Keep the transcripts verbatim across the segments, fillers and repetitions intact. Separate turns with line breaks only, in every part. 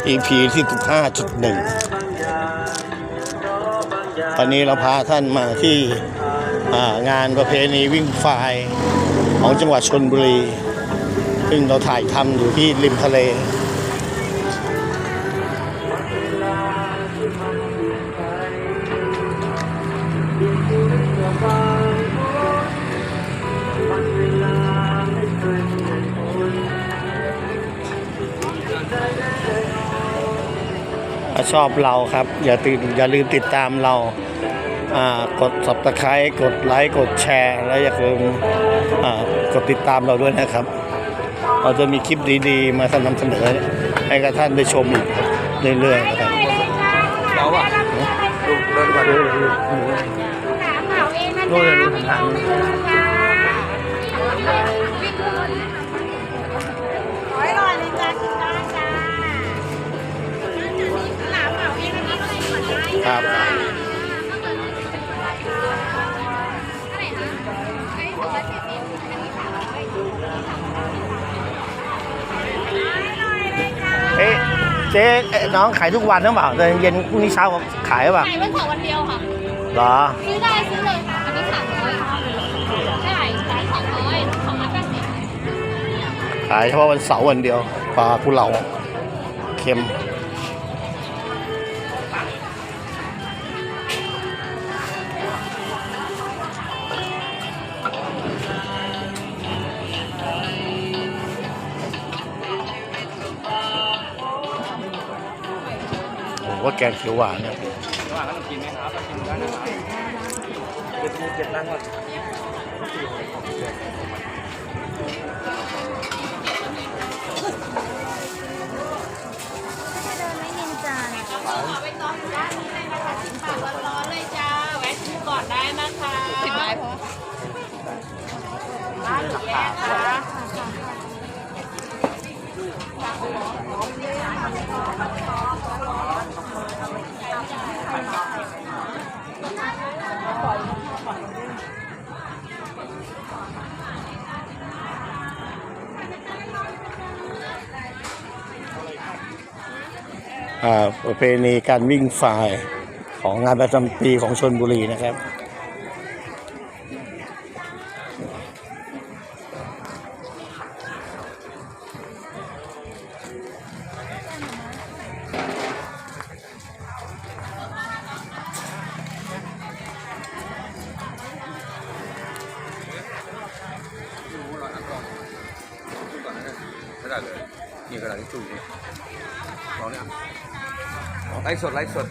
อี พี ที่สิบห้าจุดหนึ่ง ตอนนี้เราพาท่านมาที่งานประเพณีวิ่งไฟของจังหวัดชลบุรีซึ่งเราถ่ายทำอยู่ที่ริมทะเลถ้าชอบเราครับอย่าตื่นอย่าลืมติดตามเรากด ซับสไครบ์ กดไลค์กดแชร์และอย่าลืมกดติดตามเราด้วยนะครับเราจะมีคลิปดีๆมานำเสนอให้กับท่านได้ชมอีกเรื่อยๆนะครับเราอะดูเดินก่อนดูดูดูเลยดูทางครับเอ๊ะเจ๊น้องขายทุกวันหรือเปล่าแต่เย็นพรุ่งนี้เช้าขายหรือเปล่า
ขายวันเสาร์วันเดียวค่ะ
เหรอ
ซื้อได้ซื้อเลยค่ะอันนี้สามร้อยใช่ขายสองร้อยสองร้อยแปดสิบ
ขายเฉพาะวันเสาร์วันเดียวปลากุเลาเค็มว่าแกงเขียวหวานเนี่ยหวานก็ต้องกินไหมครับกินได้นะครับเจ็ดเจ็ดล้านก่อน
ไม่เย็นจ้าขอไปต้อนร้านนี้เลยนะคะสิบบาทร้อนๆเลยจ้าแวะชิมก่อนได้นะคะสิบไม้พอร้านหรือแยกคะ
ประเพณีการวิ่งฝ่ายของงานประจำปีของชลบุรีนะครับ
ไม่ได้เลยนี่กระดาษทิชชู่นี่ลองเนี่ยไลฟ์สดไลฟ์สด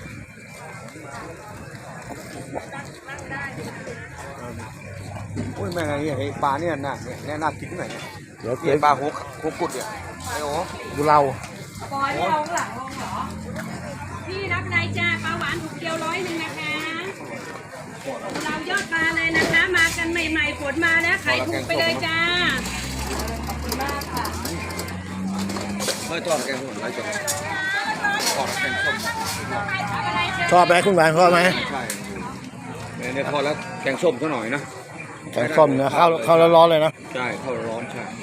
โอ้ยแม่ไงเนี่ยปลาเนี่ยน่ะเนี่ยน่ากินหน่อยเนี่ยเดี๋ยวเกี่ยปลาหัวหัวกุดเนี่ยไอ้โอ้
ดูเรา
ปอยไม่ลงหลังลงเหรอพี่รับไรจ้าปลาหวานถูกเดียวร้อยหนึ่งนะคะเรายอดปลาเลยนะคะมากันใหม่ๆฝนมาแล้วขายถูกไปเลยจ้าขอบคุณมากค่ะ
ไม่ทอดแกงส้มไรจ้ะทอดแกงส้ม
ชอบไหมคุณหวานชอบไหม
ใช่เนี่ยทอดแล้วแกงส้มซะหน่อยนะ
แกงส้มนะข้าวข้าวร้อนๆเลยนะ
ใช่ข้าวร้อนใช่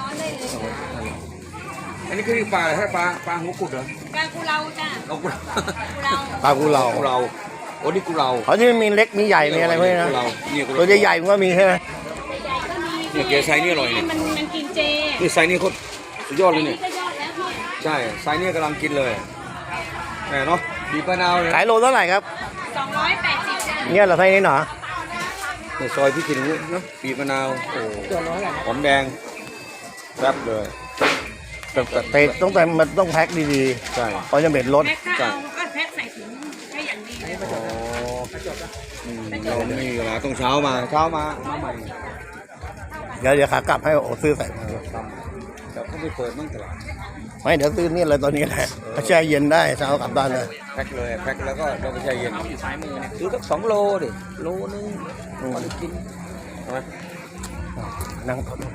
อันนี้คือปลาอะไรฮะปลาปลาหัวกุดเหรอ
ปลากุเลาจ้า
เรากุ
เลา
ปลากุเลา
กุเลาโอ้นี่กุเลา
เขาที่มีเล็กมีใหญ่มีอะไรพวกนี้นะตัวใหญ่ๆมันก็มีใช่ไหม
เนี่ยเกลือไซนี่อร่อยเนี่ย
มันมันกินเจ
นี่ไซนี่โคตรสุดยอดเลยเนี่ยใช่ไซนี่กำลังกินเลยแหมเนาะบีบมะนาว
ขายโลเท่าไหร่ครับ
สองร้อยแปดสิบ
เนี่ยเราไซนี่หนอ
ในซอยพี่กินเนาะบีบมะนาวโอ้หอมแดงแซ่บเลย
แต่แต่ต้องแต่มันต้องแพ็คดีๆใช่เพราะจะเป็นรส
ใช่ก็แพ็คใส่ถุงแค่อย่างดี
อ๋อเรามีเวลาต้องเช้ามาเช้ามามาใหม่
เดี๋ยวเดี๋ยวขากลับให้โอ้ซื้อใส่
แต่เขาไม่เปิดมั่งตลาด
ไม่เดี๋ยวซื้อนี่เลยตอนนี้แหละแช่เย็นได้เช้ากลับบ้านเลย
แพ็คเลยแพ็คแล้วก็เราไปแช่เย็นอยู่ซ้ายมือซื้อสักสองโลดิโลนึงพอได้กินใช่ไหม
นั่งทน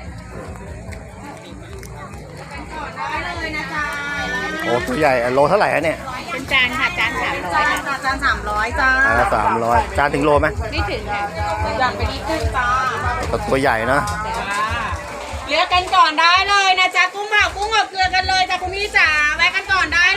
ได้เลยนะจ๊ะ
โอ้ตัวใหญ่โลเท่าไหร่ฮะเนี่ย
เป็นจานค่ะจานสามร้อยจานสามร้อยจ้า
สามร้อยจานถึงโลไหม
ไม่ถึงค่ะอยากไปดีกุ้งจ้า
ตัวใหญ่นะ
เลือกกันก่อนได้เลยนะจ๊ะกุ้งเผากุ้งอบเกลือกันเลยจ้ะคุณพี่จ๋าแวะกันก่อนได้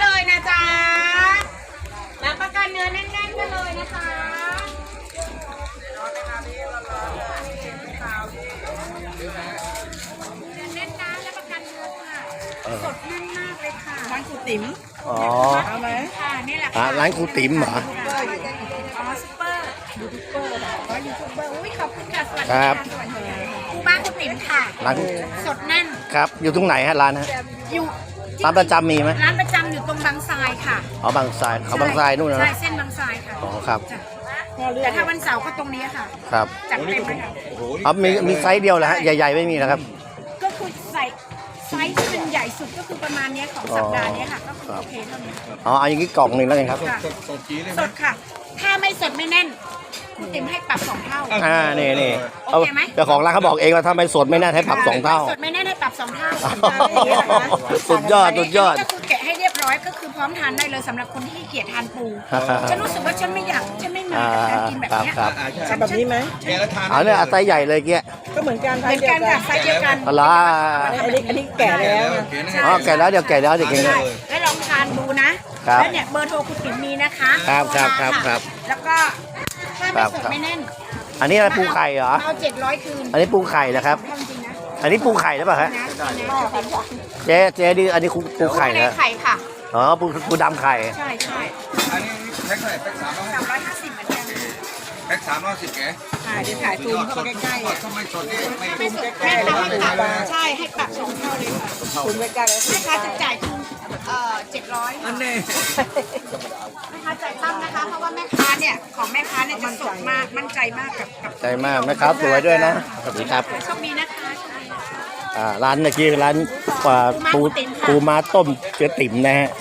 แน่นมากเลยค่ะ
ร้านคุณติ๋ม
อ๋อ
เอาไหม
ค่ะนี่แหละ
อ่า
ค่ะ
ร้านครูติ๋มเหรอ
อ๋อซุปเปอร์ยูทูบเบอร์อ๋อยูทูบเบอร์อุ้ยขอบคุณค่ะสวัสดี
ครั
ค่ะ
บ
สวัสดีค่ะครูบ้านคุณติ๋มค่ะ
ร้าน
สดแน่น
ครับอยู่ตรงไหนฮะร้านฮะ
อยู่
ร้านประจำมีไหม
ร้านประจำอยู่ตรงบางทรายค่ะ
อ๋อบางทรายเขาบางทรายนู่นนะ
ใช่เส้นบางทรายค่ะ
อ๋อครับ
จ้ะแต่ถ้าวันเสาร์ก็ตรงนี้ค่ะ
ครับ
จัดเต็มเลยค่ะ
โอ้โห
อ๋อมีมีไซส์เดียวเหรอฮะใหญ่ๆไม่มีนะครับ
ก็คือใส่ไซส์ที่มันใหญ่สุดก็คือประมาณเนี้ยของสัปดาห์เนี้ยค่ะ ก็คือ
ครับ
โอเคเท่านี้
อ๋อเอาอย่างนี้กล่องหนึ่งแล้วกันครับ
ค่ะ
สดสดจีเลยไห
ส
ม
ดค่ะ ถ้าไม่สดไม่แน่น คุณติ๋มให้ปรับสองเท่า
อ่านี่นี่
โอเคไหม
เจ้าของร้านเขาบอกเองว่าถ้าไม่สดไม่น่าให้ปรับสองเท่า
สดไม่แน่นให้ปรับสองเท่า
สุดยอดสุดยอด
ก็คือแกะให้เรียบร้อยก็คือพร้อมทานได้เลยสำหรับคนที่ขี้เกียจทานปู ฉันรู้สึกว่าฉันไม่อยากฉันไม่มากับการกินแบบเนี้ย
ครับ
อ่าใช่
ทำแบบนี้ไหม
แกแล้วทาน
เอาเนี่ยเอาไซส์ใหญ่เลยเกี้ย
ก็เหมือนกัน
เหมือนกันค่ะไซส์เดียวกัน
เอาละ
อันนี้อันนี้แก่แล้วนะ
อ๋อแก่แล้วเดี๋ยวแก่แล้วเดี๋ยวกิน
ใช่แล้วลองทานดูนะครับ แล้วเนี่ยเบอร์โทรคุณติ๋มมีนะคะ
ครับครับครับครับ
แล้วก็ถ้าไม่สดไม่แน่น
อันนี้อะไรปูไข่เหรอ
เอาเจ็ดร้อยคืน
อันนี้ปูไข่นะครับ
ทำจริงนะ
อันนี้ปูไข่หรือเปล่าฮะ
นะนะ
เจ๊เจ๊ดิอันนี้ปูไข่
ใน
นะ
ไข่ค่ะ
อ๋อปูปูดำไข่
ใช่ใช่
อันนี้แพ็คเท่าไหร่แพ็คสามร้อย
สามร้อยห้าสิบเหมือนกัน
แพ็คสามร้อยสิบแก
อ่าเดี๋ยวถ่ายซูมเข้าไปใกล้ๆ
ส
อ่ะ
ดทำไมสดนี่ไม่
ไม่สดแม่ค้าให้ปรับใช่ให้ปรับสองเท่าเลยค่ะ
ซูมใกล้ๆแล้ว
แม่ค้าจะจ่ายคืนเอ่อเจ็ดร้อย
อันนี้
แม่ค้าจ่ายตั้มนะคะ เพราะว่าแม่ค้าเนี่ยของแม่ค้าเนี่ยจะสดมากมั่นใจมากกับกับ
ใจมากแม่ค้าสวยด้วยนะสวัสดีครับ
โชคดีนะคะโชคดีนะคะ
อ่าร้านเมื่อกี้ร้านปลาปูปูม้าต้มเจ๊ติ๋มนะฮะ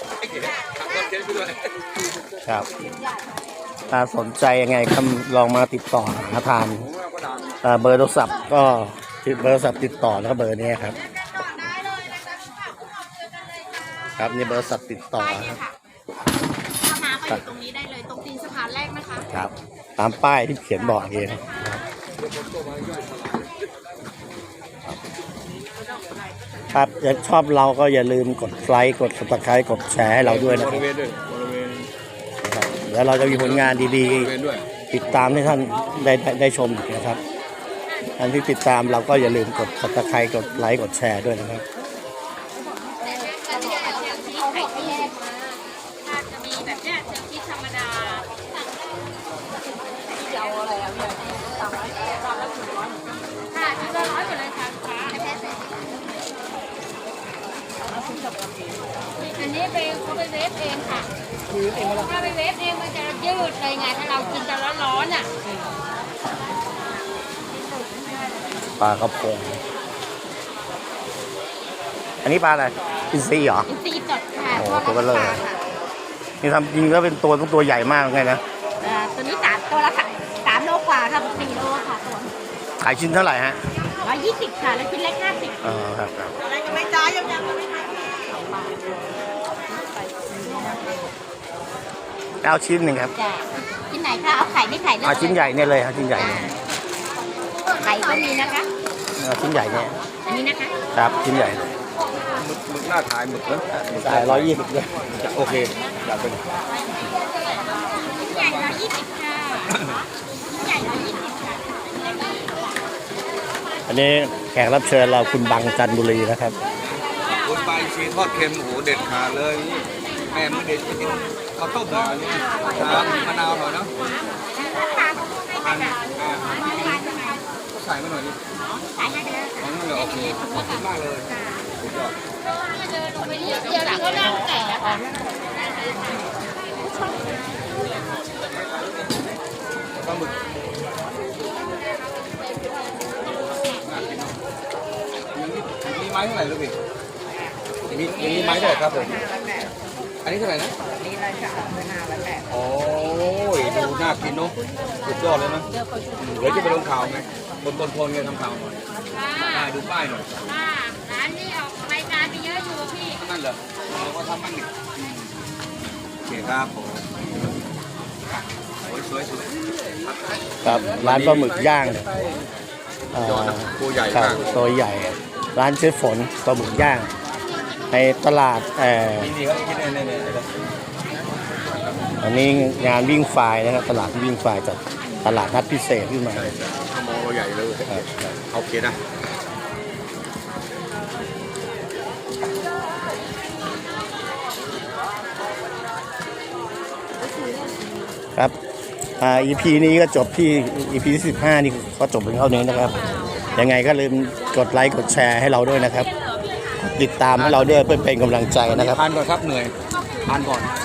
ครับถ้าสนใจยังไงก็ลองมาติดต่อหาทานอ่าเบอร์โทรศัพท์ก็เบอร์โทรศัพท์ติดต่อนะครับเบอร์นี้ครับ ครับนี่เบอร์โทรศัพท์ติดต่อ
ป้าย
ค
เนี่
รั
ย
บ
ค่ะถ้ามาก็อยู่ตรงนี้ได้เลยตรงตีนสะพานแรกนะคะ
ครับ ตามป้ายที่เขียนบอกเองครับถ้าชอบเราก็อย่าลืมกดไลค์กด ซับสไครบ์ กดแชร์ให้เราด้วยนะ
บ
ครับ
ริเวณด้วยบริเวณ
ครับแล้วเราจะมีผลงานดี
บริเวณด้วย
ๆ ติดตามให้ท่านได้ได้ได้ชมอีกนะครับท่านที่ติดตามเราก็อย่าลืมกด ซับสไครบ์ กดไลค์กดแชร์ด้วยนะครับ
ถ้าจะมีแบบเนี้ยเจอคิดธรรมดาค่ะชุดละร้อยหมดเลยค่ะฟ้าอันนี้ไปเขาไปเวฟเองค่ะถ้าไปเวฟเองมันจะยืดเลยไงถ้าเรากินจะร้อนๆอ่ะ
ปลากระพง อันนี้ปลาอะไรอินทรีเหรอ
อินทรีย์สดค่ะ
โอ้
ทอด
ตัวเบลอ
น้ำปลาค่ะ
นี่ทำจริงแล้วเป็นตัวต้องตัวใหญ่มากไงนะ
เอ่อตัวนี้สามตัวละค่ะสามโลกว่าค่ะสี่โลค่ะตัว
ขายชิ้นเท่าไหร่ฮะ
ร้อยยี่สิบค่ะแล้วชิ้นเล็กห้าสิบ
อ๋อครับครับ
อะไรก็ไม่จ้ายังยังไม่ท
เอาชิ้นหนึ่งครับ
จ้ะชิ้นไหนคะเอาไข่ไม่ไข่
เอาชิ้นใหญ่เนี่ยเลยครับชิ้นใหญ่เนี่ย
ไข่ก็มีนะคะ
เอาชิ้นใหญ่เนี่ย
อันนี้นะคะ
ครับชิ้นใหญ่
หมึกหมึกหน้าขายหมึกนะหมึก
จ่ายร้อยยี่สิบด้วย
โอเคอยากเป็น
ชิ้นใหญ่ร้อยยี่สิบค่ะชิ้นใหญ่ร้อยยี่สิบค่ะ
อันนี้แขกรับเชิญเราคุณบังจันทบุรีนะครับ
คุณไปชีทอดเค็มโอ้โหเด็ดขาดเลยแม่ไม่เด็ดจะกินข้าวต้มหน่อยอันนี้น้ำมะนาวหน่อยเนาะอันอ่าใส่มาหน่อยดิ
ขายให้ไปแล้ว
อ๋อนั่นเลยโอเคขอบคุณมากเลยสุดยอด
ไปเรียกเดียวก็นั่งแต่ค่ะ
ปลาหมึกมีไม้เท่าไหร่ลูกพี่มีมีไม้เท่าไหร่ครับผมอันนี้เท่าไหร่นะ
ำนี่เลยค่ะเป็นห้าร้อยแปด
โอ้ยดูน่ากินเนาะสุดยอดเลยนะเดี๋ยวจะไปลงข่าวไงบนบนโพลไงทำข่าวหน่อยได้ดูป้ายหน่อย
ค่ะร้านนี้ออกรายการไปเยอะอยู่พี่
นั่นเหรอเราก็ทำมั่งนี่โอเคครับผมโอ้ยสวยสวย
ครับร้านปลาหมึกย่างเอ่
ยอ
อ
ดนะตัวใหญ่
ครับ
มาก
ตัวใหญ่ ร้านเชฟฝนปลาหมึกย่าง ในตลาดเอ่อ
นี่นี่ครับคิดเนี่ยเนี่ยเนี่ย
อันนี้งานวิ่งไฟล์นะครับตลาดวิ่งไฟล์จัดตลาดนัดพิเศษขึ้นมา
ใช่ใช่ข้าวโมใหญ่เลย
ครับ
โอเคนะ
ครับอ่า อี พี นี้ก็จบที่ อี พี ที่สิบห้านี่ก็จบเป็นเท่านี้นะครับยังไงก็ลืมกดไลค์กดแชร์ให้เราด้วยนะครับติดตามให้เราด้วยเพื่อเป็นกำลังใจนะครับ
ทานก่อนครับเหนื่อยทานก่อน